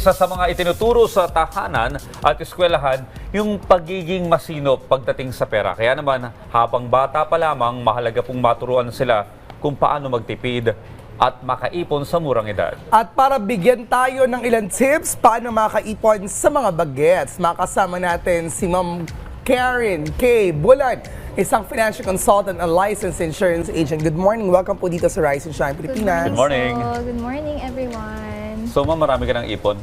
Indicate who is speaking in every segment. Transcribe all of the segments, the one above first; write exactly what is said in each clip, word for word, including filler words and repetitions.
Speaker 1: isa sa mga itinuturo sa tahanan at eskwelahan yung pagiging masinop pagdating sa pera. Kaya naman, habang bata pa lamang, mahalaga pong maturuan sila kung paano magtipid at makaipon sa murang edad.
Speaker 2: At para bigyan tayo ng ilang tips paano makaipon sa mga bagets, makasama natin si Ma'am Karen K. Bulan, isang financial consultant and licensed insurance agent. Good morning. Welcome po dito sa Rise and Shine Pilipinas.
Speaker 1: Good morning.
Speaker 3: So, good morning, everyone.
Speaker 1: So, ma'am, marami ka ng ipon.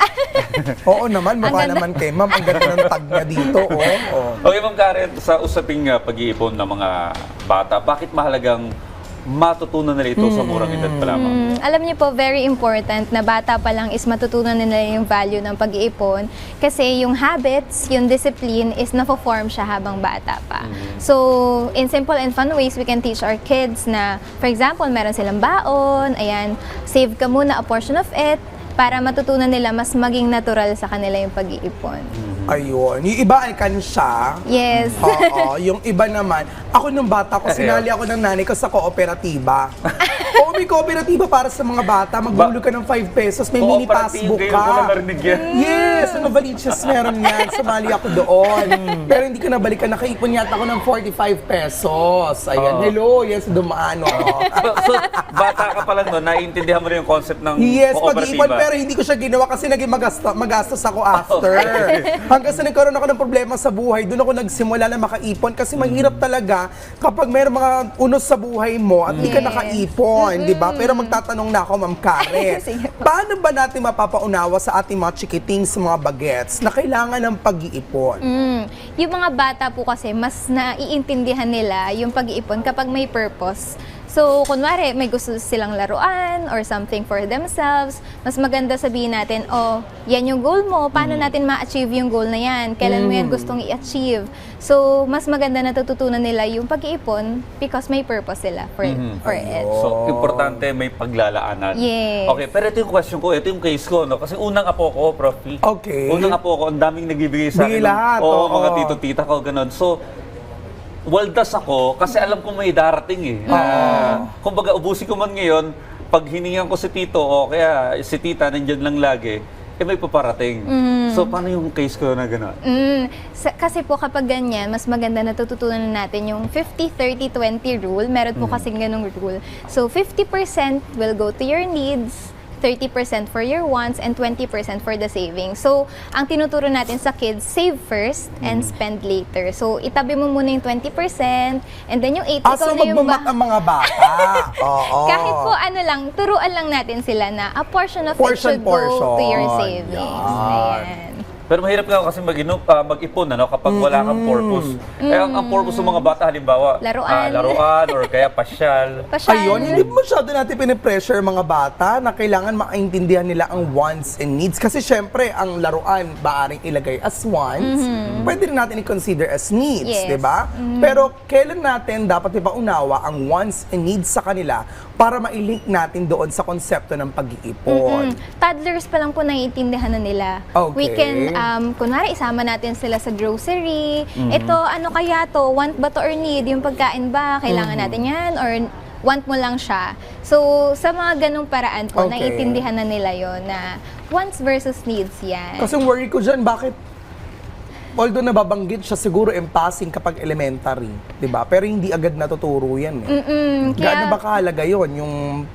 Speaker 2: Oo naman, mukha naman kay Ma'am. Ang ganda ng tag niya dito. Oh, oh.
Speaker 1: Okay, Ma'am Karen, sa usaping uh, pag-iipon ng mga bata, bakit mahalagang matutunan nila ito sa murang edad pa lamang?
Speaker 3: Mm, alam niyo po, very important na bata pa lang is matutunan nila yung value ng pag-iipon kasi yung habits, yung discipline is nafo-form siya habang bata pa.
Speaker 1: Mm-hmm.
Speaker 3: So, in simple and fun ways, we can teach our kids na, for example, meron silang baon, ayan, save ka muna a portion of it para matutunan nila mas maging natural sa kanila yung pag-iipon.
Speaker 2: Ayun. Yung iba alkansya.
Speaker 3: Yes.
Speaker 2: Oo. Yung iba naman, ako nung bata ko, sinali ako ng nanay ko sa kooperatiba. Oo, may kooperatiba para sa mga bata. Maghulog ka ng five pesos, may mini passbook
Speaker 1: Ngayon ko lang
Speaker 2: ka.
Speaker 1: narinig yan.
Speaker 2: Yes, ano Novaliches meron yan. Sumali ako doon. Pero hindi ko nabalikan. Nakaipon yata ako ng forty-five pesos. Ayan,
Speaker 1: Oo.
Speaker 2: hello. Yes, dumaan. Oh.
Speaker 1: So, so, bata ka pa lang no, naiintindihan mo rin yung concept ng
Speaker 2: Yes,
Speaker 1: kooperatiba.
Speaker 2: pag-iipon, pero hindi ko siya ginawa kasi naging magasta, magastos ako after. Hanggang sa nagkaroon ako ng problema sa buhay, doon ako nagsimula na makaipon kasi mahirap talaga kapag mayroong mga unos sa buhay mo at hindi ka
Speaker 3: Yes.
Speaker 2: nakaipon, di ba? Pero magtatanong na ako, Ma'am Karen,
Speaker 3: Sige po.
Speaker 2: paano ba natin mapapaunawa sa ating mga chikiting sa mga bagets na kailangan ng pag-iipon?
Speaker 3: Mm. Yung mga bata po kasi, mas naiintindihan nila yung pag-iipon kapag may purpose. So, kunwari, may gusto silang laruan or something for themselves, mas maganda sabihin natin, oh, yan yung goal mo, paano natin ma-achieve yung goal na yan? Kailan mo yan gustong i-achieve? So, mas maganda na tututunan nila yung pag-iipon because may purpose sila for, for it.
Speaker 1: So, importante may paglalaanan.
Speaker 3: Yes.
Speaker 1: Okay, pero ito yung question ko, ito yung case ko, no? Kasi unang apo ko, Prof
Speaker 2: Okay.
Speaker 1: Unang apo ko, ang daming nagbibigay sa akin.
Speaker 2: Bigay lahat,
Speaker 1: Oo,
Speaker 2: oo.
Speaker 1: mga tito-tita ko, ganun. So, waldas ako kasi alam ko may darating eh. Uh, kumbaga, ubusin ko man ngayon, pag hiningan ko si tito o kaya si tita nandyan lang lagi, eh may paparating. So, paano yung case ko na gano'n?
Speaker 3: Mm, sa, kasi po kapag ganyan, mas maganda na tututunan natin yung fifty thirty twenty rule. Meron po kasing ganung rule. So, fifty percent will go to your needs, thirty percent for your wants, and twenty percent for the savings. So, ang tinuturo natin sa kids, save first and spend later. So, itabi mo muna yung twenty percent and then yung eighty,
Speaker 2: Ah, so
Speaker 3: ikaw na yung
Speaker 2: magmamat
Speaker 3: ba-
Speaker 2: ang mga bata. Oo.
Speaker 3: kahit po ano lang, turuan lang natin sila na a portion of
Speaker 2: Portion,
Speaker 3: it should go to your
Speaker 2: portion.
Speaker 3: savings.
Speaker 2: Yan.
Speaker 3: Ayan.
Speaker 1: Pero mahirap nga kasi mag-ino, ah, mag-ipon ano, kapag wala kang purpose. Eh, ang, ang purpose ng mga bata, halimbawa,
Speaker 3: Laruan.
Speaker 1: ah, laruan or kaya pasyal.
Speaker 3: Pasyal.
Speaker 2: Ayun, hindi masyado natin pinipressure mga bata na kailangan maintindihan nila ang wants and needs. Kasi syempre, ang laruan, baaring ilagay as wants, pwede rin natin i-consider as needs,
Speaker 3: Yes.
Speaker 2: di ba? Pero kailan natin dapat ipaunawa ang wants and needs sa kanila para mailink natin doon sa konsepto ng pag-iipon?
Speaker 3: Mm. Toddlers pa lang po naiintindihan na nila.
Speaker 2: Okay.
Speaker 3: We can, um, kunwari, isama natin sila sa grocery. Ito, ano kaya to? Want ba to or need? Yung pagkain ba? Kailangan natin yan? Or want mo lang siya? So, sa mga ganong paraan po,
Speaker 2: Okay.
Speaker 3: naiintindihan na nila yon na wants versus needs yan.
Speaker 2: Kasi ang worry ko dyan, bakit although nababanggit siya siguro in passing kapag elementary, di ba? Pero hindi agad natuturo yan eh.
Speaker 3: Mm-mm, kaya-
Speaker 2: Gaano ba kahalaga yun, yung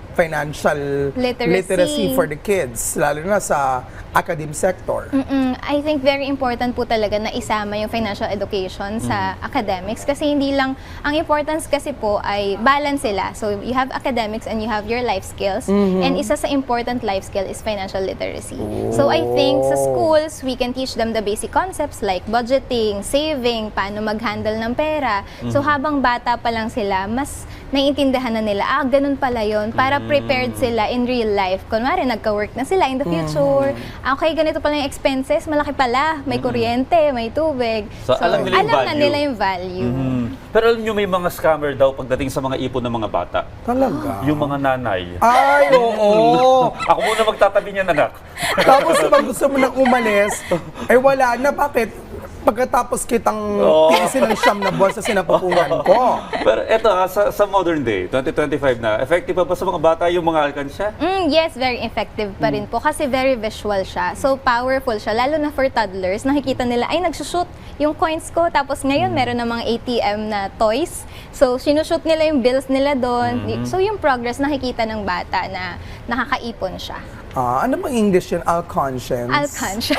Speaker 2: financial
Speaker 3: Literacy.
Speaker 2: literacy for the kids, lalo na sa academic sector?
Speaker 3: Mm-mm. I think very important po talaga na isama yung financial education sa academics kasi hindi lang, ang importance kasi po ay balance sila. So you have academics and you have your life skills and isa sa important life skill is financial literacy. So I think sa schools, we can teach them the basic concepts like budgeting, saving, paano mag-handle ng pera. So habang bata pa lang sila, mas naiintindihan na nila, ah, ganun pala yun, para prepared sila in real life. Kunwari, nagka-work na sila in the future. Ah, okay, ganito pala yung expenses, malaki pala, may kuryente, may tubig.
Speaker 1: So, alam nila yung
Speaker 3: alam na
Speaker 1: value.
Speaker 3: nila yung value.
Speaker 1: Mhm. Pero alam nyo, may mga scammer daw pagdating sa mga ipon ng mga bata.
Speaker 2: Talaga?
Speaker 1: Yung mga nanay.
Speaker 2: Ay, oo.
Speaker 1: Ako muna magtatabi niyan, anak.
Speaker 2: Tapos pag gusto mo nang umalis, eh wala na, bakit? pagkatapos kitang
Speaker 1: Oo.
Speaker 2: tinisin ng siyam na buwan sa sinapupungan ko.
Speaker 1: Pero eto ha, sa, sa modern day, twenty twenty-five na, effective pa ba sa mga bata yung mga alkansya?
Speaker 3: Mm, yes, very effective pa rin po kasi very visual siya. So, powerful siya. Lalo na for toddlers, nakikita nila, ay, nagsushoot yung coins ko. Tapos ngayon, meron na mga A T M na toys. So, sinushoot nila yung bills nila doon. So, yung progress nakikita ng bata na nakakaipon siya.
Speaker 2: Ah, ano bang English yun? Alconscience?
Speaker 3: Alcan siya.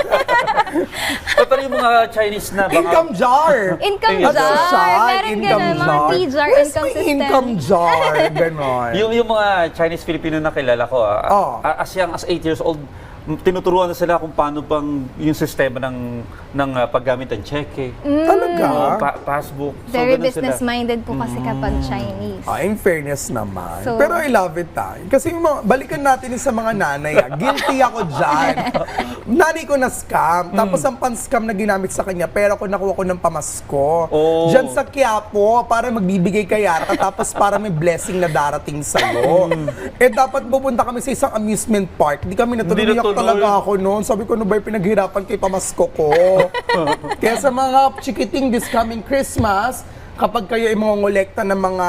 Speaker 1: Pero yung mga Chinese na baka...
Speaker 2: Income jar!
Speaker 3: Income
Speaker 1: Ayun.
Speaker 3: jar.
Speaker 2: Jar,
Speaker 3: Meron
Speaker 2: income
Speaker 3: ganun, mga
Speaker 2: jar.
Speaker 3: T-jar
Speaker 2: Where's
Speaker 3: income
Speaker 2: my
Speaker 3: system.
Speaker 2: income jar? Ganon.
Speaker 1: Yung, yung mga Chinese-Filipino na kilala ko, ah,
Speaker 2: Oh.
Speaker 1: ah, as young as eight years old, m- tinuturuan na sila kung paano pang yung sistema ng ng ah, paggamit ng cheque,
Speaker 2: Talaga?
Speaker 1: o pa- passbook. So,
Speaker 3: Very
Speaker 1: ganun sila.
Speaker 3: business-minded po kasi kapag Chinese.
Speaker 2: Ah, in fairness naman.
Speaker 3: So-
Speaker 2: Pero I love it ah. Kasi yung mga, balikan natin yung sa mga nanay ah. Guilty ako dyan. Nanay ko na scam. Tapos ang pan-scam na ginamit sa kanya, pera ko nakuha ko ng pamasko.
Speaker 1: Oh.
Speaker 2: Diyan sa Quiapo, para magbibigay kay Yara, tapos para may blessing na darating sa'yo. eh dapat pupunta kami sa isang amusement park. Di kami natuloy.
Speaker 1: Hindi
Speaker 2: Iyak
Speaker 1: natuloy.
Speaker 2: talaga ako noon. Sabi ko, ano ba yung pinaghirapan kay pamasko ko? Kaya sa mga chikiting this coming Christmas, kapag kayo ay mga ngolekta ng mga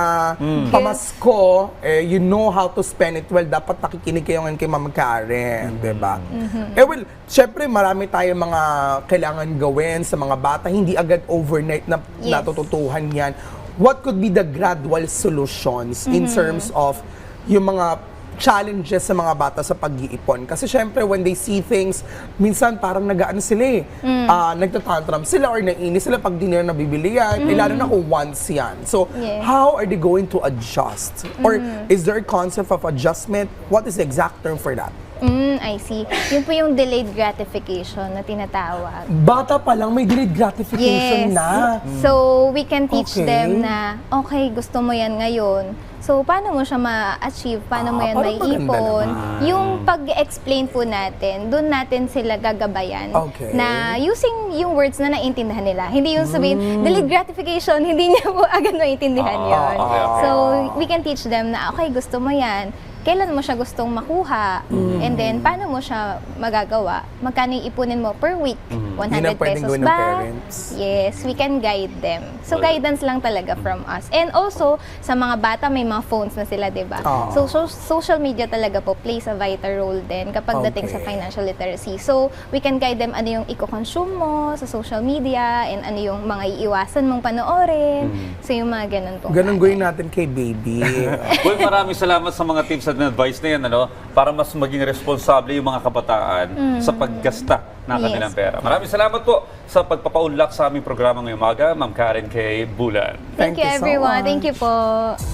Speaker 2: pamasko, eh, you know how to spend it well. Dapat nakikinig kayo ngayon kay Ma'am Karen, di ba? Eh well, syempre marami tayong mga kailangan gawin sa mga bata. Hindi agad overnight na
Speaker 3: Yes.
Speaker 2: natututuhan yan. What could be the gradual solutions in terms of yung mga challenges sa mga bata sa pag-iipon? Kasi syempre, when they see things, minsan parang nag-ano sila eh. Ah, nagtatantrum sila or naiinis sila pag di nila nabibili yan. Eh, lalo na kung once yan. So,
Speaker 3: Yes.
Speaker 2: how are they going to adjust? Or is there a concept of adjustment? What is the exact term for that?
Speaker 3: Mm, I see. Yun po yung delayed gratification na tinatawag.
Speaker 2: Bata pa lang, may delayed gratification
Speaker 3: Yes.
Speaker 2: na.
Speaker 3: So, we can teach
Speaker 2: Okay.
Speaker 3: them na, okay, gusto mo yan ngayon. So, paano mo siya ma-achieve? Paano mo
Speaker 2: Ah,
Speaker 3: yan
Speaker 2: parang maganda
Speaker 3: maiipon?
Speaker 2: naman.
Speaker 3: Yung pag-explain po natin, doon natin sila gagabayan
Speaker 2: Okay.
Speaker 3: na using yung words na naiintindihan nila. Hindi yung sabihin,
Speaker 2: Hmm.
Speaker 3: delayed gratification, hindi niya po agad maiintindihan
Speaker 1: Ah,
Speaker 3: yun.
Speaker 1: okay, okay.
Speaker 3: So, we can teach them na, okay, gusto mo yan. Kailan mo siya gustong makuha?
Speaker 2: Hmm.
Speaker 3: And then, paano mo siya magagawa? Magkano yung ipunin mo per week? one
Speaker 2: Yun ang
Speaker 3: hundred
Speaker 2: pwedeng
Speaker 3: pesos
Speaker 2: gawin ng
Speaker 3: ba?
Speaker 2: parents.
Speaker 3: Yes, we can guide them. So,
Speaker 1: Well,
Speaker 3: guidance lang talaga from us. And also, sa mga bata, may mga phones na sila, di ba?
Speaker 2: Ah.
Speaker 3: So, so, social media talaga po plays a vital role din kapag dating sa
Speaker 2: Okay.
Speaker 3: financial literacy. So, we can guide them ano yung i-consume mo sa social media and ano yung mga iiwasan mong panoorin. So, yung mga ganun po.
Speaker 2: Ganun gawin natin kay baby.
Speaker 1: Uy, maraming salamat sa mga tips at advice na yan, ano, para mas maging responsable yung mga kabataan sa paggasta ng
Speaker 3: Yes.
Speaker 1: kanilang pera. Maraming salamat po sa pagpapaunlak sa aming programa ngayong umaga, Ma'am Karen K. Bulan.
Speaker 3: Thank,
Speaker 2: Thank
Speaker 3: you,
Speaker 2: you so
Speaker 3: everyone.
Speaker 2: much.
Speaker 3: Thank you po.